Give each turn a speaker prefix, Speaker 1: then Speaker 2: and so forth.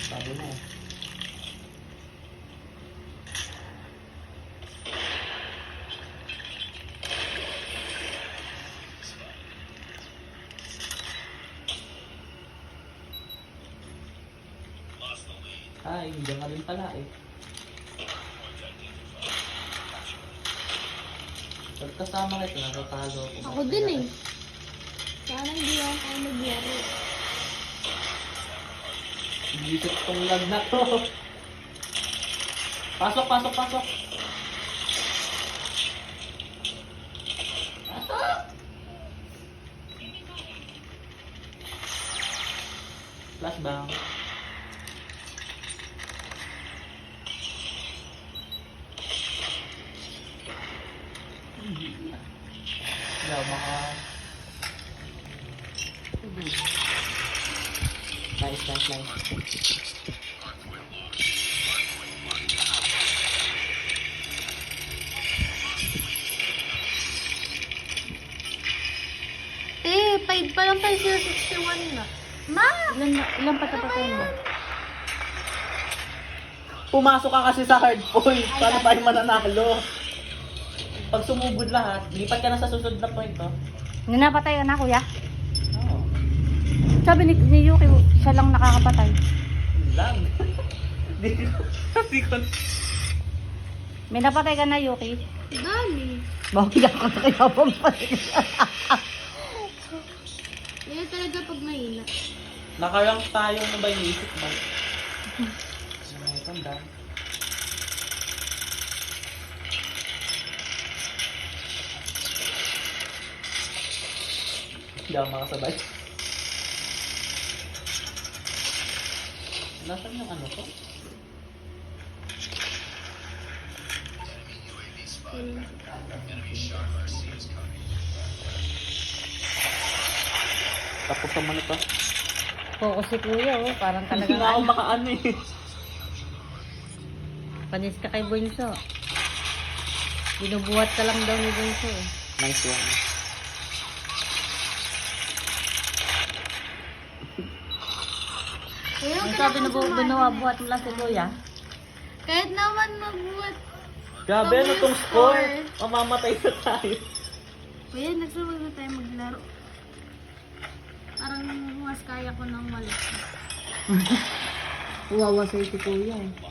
Speaker 1: Sabi mo. Ay, hindi nga rin pala eh. Pagkasama kita, natatalo ako.
Speaker 2: Ako din eh. Sana hindi ako kayo nagyari.
Speaker 1: Iisip tong lag na to. Pasok, pasok, pasok. Pasok! Flashbang. Hindi ako maka... Nice, nice, nice.
Speaker 2: Eh, 5 pa lang tayo 061 na. Ma!
Speaker 3: Ilan patapatay mo?
Speaker 1: Pumasok ka kasi sa hard point. Paano tayo mananalo? Pag sumugod lahat, lipat ka na sa susunod na point, oh.
Speaker 3: Nanapatay ka na, kuya?
Speaker 1: Oo.
Speaker 3: Sabi ni Yuki, siya lang nakakapatay.
Speaker 1: Yun lang. Di ko...
Speaker 3: May napatay ka na, Yuki?
Speaker 2: Dami.
Speaker 3: Bakit ako kaya pampatay?
Speaker 2: Yan talaga pag mahina.
Speaker 1: Nakarank tayo na ba yung isip mo? Ay, tanda. Hindi ako makasabay. Nasaan yung ano ko? Tapos naman ito.
Speaker 3: Oo, si kuya, oh. Parang
Speaker 1: Hindi
Speaker 3: talagang
Speaker 1: nga ako makaano eh.
Speaker 3: panis ka kay Bunso. Binubuhat ka lang daw ni Bunso, eh.
Speaker 1: Nice one.
Speaker 2: Kuya,
Speaker 3: Ang
Speaker 2: huwag ka
Speaker 3: sabi na
Speaker 2: na kasama.
Speaker 3: binubuhat mo lang si kuya?
Speaker 2: Kahit naman magbuhat.
Speaker 1: Grabe, ano tong score? Mamamatay na tayo.
Speaker 2: Kuya, nagsawag na tayo maglaro. Parang mas kaya ko nang malit.
Speaker 3: Wawa sa'yo si kuya, eh.